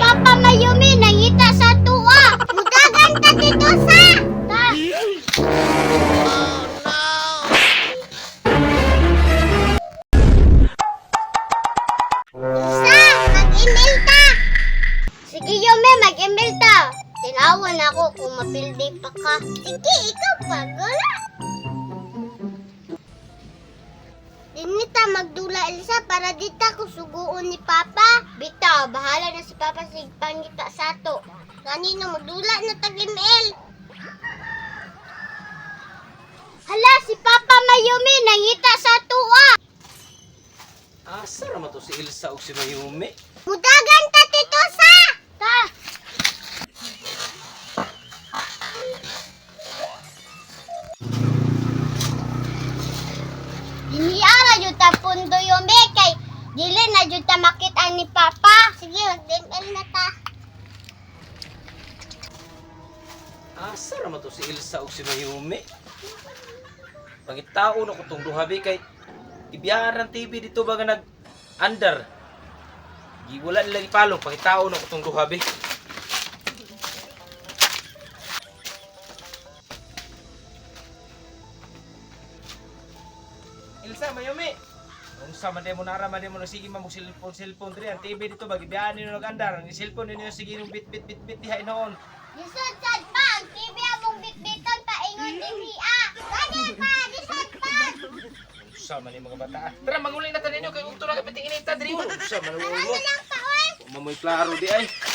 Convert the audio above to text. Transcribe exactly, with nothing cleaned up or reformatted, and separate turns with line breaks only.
Papa Mayumi nangita sa tuwa. Mudagan ta dito sa. Ta. Sa, mag-email ta. Sige Yume, mag-email ta. Tinawan ako kung mapildi pa ka. Sige, ikaw pa, gula. Dinita magdula Elsa para dita ko suguon ni Papa. Bitaw, bahala na si Papa sa pangita sa to. Kanino magdula na tag-email. Hala, si Papa Mayumi nangita sa tuwa.
Asa naman to si Elsa o si Mayumi?
Mudagan ta dito sa. Ta. Diniara jud ta pundo Yume kay dili na jud ta makita ni Papa. Sige, mag-email na ta.
Asa naman to si Elsa o si Mayumi? Pangitao na ko itong duhabi kay ibiyaran T V dito ba nga nag-under. Wala nila ipalong, pangitao na ko itong duhabi. Elsa, Mayumi! Kung sa man mo nara, man mo na sige mamog cellphone, cellphone diri. Ang T V dito, bagi biyahan nyo nag-andar. Ang cellphone ninyo sige nung bit bit bit bit dihay noon.
Lisod sad pa, ang T V among bitbiton pa ingon din hiya. Gani pa, lisod pa.
Sa man yung mga bata. Tara, manguli na tanin nyo kay kung ito na kapiting inita diri. Sa man
Ano
mo.
lang pa, oy.
Mamoy klaro di ay.